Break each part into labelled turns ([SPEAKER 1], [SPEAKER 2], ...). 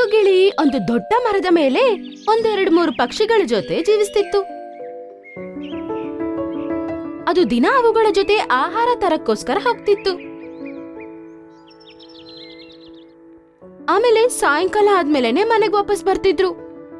[SPEAKER 1] ಗಿಳಿ ಒಂದು ದೊಡ್ಡ ಮರದ ಮೇಲೆ ಒಂದೆರಡು ಮೂರು ಪಕ್ಷಿಗಳ ಜೊತೆ ಜೀವಿಸ್ತಿತ್ತು. ಅದು ದಿನ ಅವುಗಳ ಜೊತೆ ಆಹಾರ ತರಕ್ಕೋಸ್ಕರ ಹೋಗ್ತಿತ್ತು. ಆಮೇಲೆ ಸಾಯಂಕಾಲ ಆದ್ಮೇಲೆನೆ ಮನೆಗೆ ವಾಪಸ್ ಬರ್ತಿದ್ರು.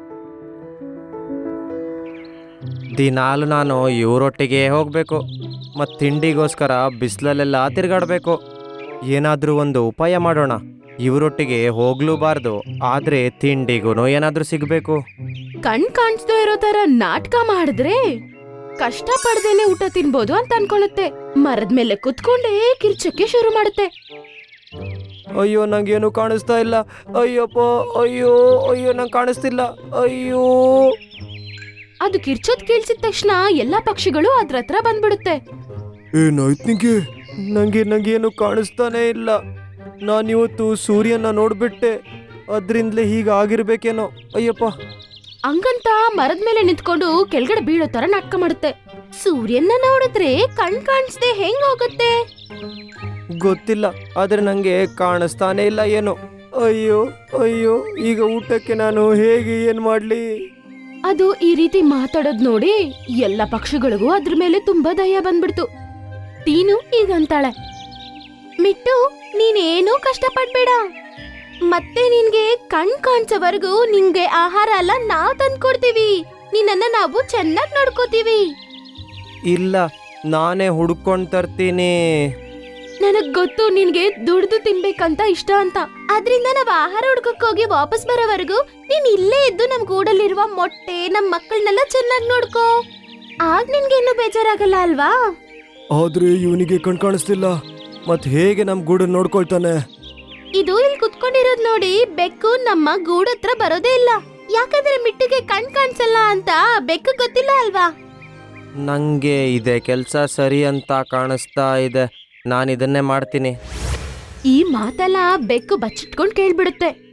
[SPEAKER 2] ದಿನಾಲು ನಾನು ಇವರೊಟ್ಟಿಗೆ ಹೋಗ್ಬೇಕು ಮತ್ತು ತಿಂಡಿಗೋಸ್ಕರ ಬಿಸಿಲಲ್ಲೆಲ್ಲ ತಿರುಗಾಡಬೇಕು. ಏನಾದರೂ ಒಂದು ಉಪಾಯ ಮಾಡೋಣ. ಇವರೊಟ್ಟಿಗೆ ಹೋಗ್ಲೂಬಾರ್ದು, ಆದ್ರೆ ತಿಂಡಿಗೂ ಏನಾದ್ರೂ ಸಿಗ್ಬೇಕು.
[SPEAKER 1] ಕಣ್ ಕಾಣಿಸ್ದೇ ಇರೋ ತರ ನಾಟಕ ಮಾಡಿದ್ರೆ ಕಷ್ಟ ಪಡ್ದೇನೆ ಊಟ ತಿನ್ಬೋದು ಅಂತ ಅನ್ಕೊಳ್ಳುತ್ತೆ. ಮರದ ಮೇಲೆ ಕುತ್ಕೊಂಡೇ ಕಿರ್ಚಕ್ಕೆ ಶುರು ಮಾಡುತ್ತೆ.
[SPEAKER 2] ಅಯ್ಯೋ, ನಂಗೇನು ಕಾಣಿಸ್ತಾ ಇಲ್ಲ. ಅಯ್ಯಪ್ಪ, ಅಯ್ಯೋ ಅಯ್ಯೋ, ನಂಗೆ ಕಾಣಿಸ್ತಿಲ್ಲ. ಅಯ್ಯೋ.
[SPEAKER 1] ಅದು ಕಿರ್ಚೋದ್ ಕೇಳಿಸಿದ ತಕ್ಷಣ ಎಲ್ಲಾ ಪಕ್ಷಿಗಳು ಅದ್ರ ಹತ್ರ ಬಂದ್ಬಿಡುತ್ತೆ.
[SPEAKER 2] ಏನಾಯ್ತು ನಿಂಗೆ? ನಂಗೇನು ಕಾಣಿಸ್ತಾನೆ ಇಲ್ಲ. ನಾನಿವತ್ತು ಸೂರ್ಯನ ನೋಡ್ಬಿಟ್ಟೆ, ಅದ್ರಿಂದಲೇ ಹೀಗಾಗಿರ್ಬೇಕೇನೋ. ಅಯ್ಯಪ್ಪ.
[SPEAKER 1] ಹಂಗಂತ ಮರದ ಮೇಲೆ ನಿಂತ್ಕೊಂಡು ಕೆಳಗಡೆ ಬೀಳೋ ತರ ನಾಟಕ ಮಾಡುತ್ತೆ. ಸೂರ್ಯನ ನೋಡಿದ್ರೆ ಕಣ್ ಕಾಣಿಸ್ದೆ ಹೆಂಗ್ ಹೋಗುತ್ತೆ?
[SPEAKER 2] ಗೊತ್ತಿಲ್ಲ, ಆದ್ರೆ ನಂಗೆ ಕಾಣಿಸ್ತಾನೆ ಇಲ್ಲ ಏನು. ಅಯ್ಯೋ ಅಯ್ಯೋ, ಈಗ ಊಟಕ್ಕೆ ನಾನು ಹೇಗೆ ಏನ್ ಮಾಡ್ಲಿ?
[SPEAKER 1] ಅದು ಈ ರೀತಿ ಮಾತಾಡೋದ್ ನೋಡಿ ಎಲ್ಲ ಪಕ್ಷಿಗಳಿಗೂ ಅದ್ರ ಮೇಲೆ ತುಂಬಾ ದಯ ಬಂದ್ಬಿಡ್ತು. ಟೀನು ಈಗಂತಾಳೆ, ಮಿಟ್ಟು, ನೀನೇನೂ ಕಷ್ಟ ಪಡ್ಬೇಡ. ಮತ್ತೆ ನಿನ್ಗೆ ಕಣ್ ಕಾಣಿಸೋವರೆಗೂ ನಿಂಗೆ ಆಹಾರ ಎಲ್ಲ ನಾವ್ ತಂದ್ಕೊಡ್ತೀವಿ. ನಿನ್ನನ್ನ ನಾವು ಚೆನ್ನಾಗ್ ನೋಡ್ಕೋತೀವಿ.
[SPEAKER 2] ಇಲ್ಲ, ನಾನೇ ಹುಡ್ಕೊಂಡ್ ತರ್ತೀನಿ.
[SPEAKER 1] ನನಗ್ ಗೊತ್ತು ನಿನ್ಗೆ ದುಡ್ದು ತಿನ್ಬೇಕಂತ ಇಷ್ಟ ಅಂತ. ಅದ್ರಿಂದ ನಾವ್ ಆಹಾರ ಹುಡ್ಕಕ್ ಹೋಗಿ ವಾಪಸ್ ಬರೋವರೆಗೂ ನೀನ್ ಇಲ್ಲೇ ಇದ್ದು ನಮ್ ಗೂಡಲ್ಲಿರುವ ಮೊಟ್ಟೆ, ನಮ್ ಮಕ್ಕಳನ್ನೆಲ್ಲ ಚೆನ್ನಾಗ್ ನೋಡ್ಕೋ. ಆಗ ನಿನ್ಗೆ ಇನ್ನೂ ಬೇಜಾರಾಗಲ್ಲ ಅಲ್ವಾ?
[SPEAKER 2] ಆದ್ರೆ ಇವನಿಗೆ ಕಣ್ ಕಾಣಿಸ್ತಿಲ್ಲ, ಮತ್ ಹೇಗೆ ನಮ್ ಗೂಡನ್ನ ನೋಡ್ಕೊಳ್ತಾನೆ?
[SPEAKER 1] ಇದು ಇಲ್ಲಿ ಕುತ್ಕೊಂಡಿರೋದ್ ನೋಡಿ ಬೆಕ್ಕು ನಮ್ಮ ಗೂಡತ್ರ ಬರೋದೇ ಇಲ್ಲ. ಯಾಕಂದ್ರೆ ಮಿಟ್ಟಿಗೆ ಕಣ್ ಕಾಣಿಸಲ್ಲ ಅಂತ ಬೆಕ್ಕು ಗೊತ್ತಿಲ್ಲ ಅಲ್ವಾ?
[SPEAKER 2] ನಂಗೆ ಇದೆ ಕೆಲ್ಸ ಸರಿ ಅಂತ ಕಾಣಿಸ್ತಾ ಇದೆ. ನಾನು ಇದನ್ನೇ ಮಾಡ್ತೀನಿ.
[SPEAKER 1] ಈ ಮಾತೆಲ್ಲ ಬೆಕ್ಕು ಬಚ್ಚಿಟ್ಕೊಂಡ್ ಕೇಳ್ಬಿಡುತ್ತೆ.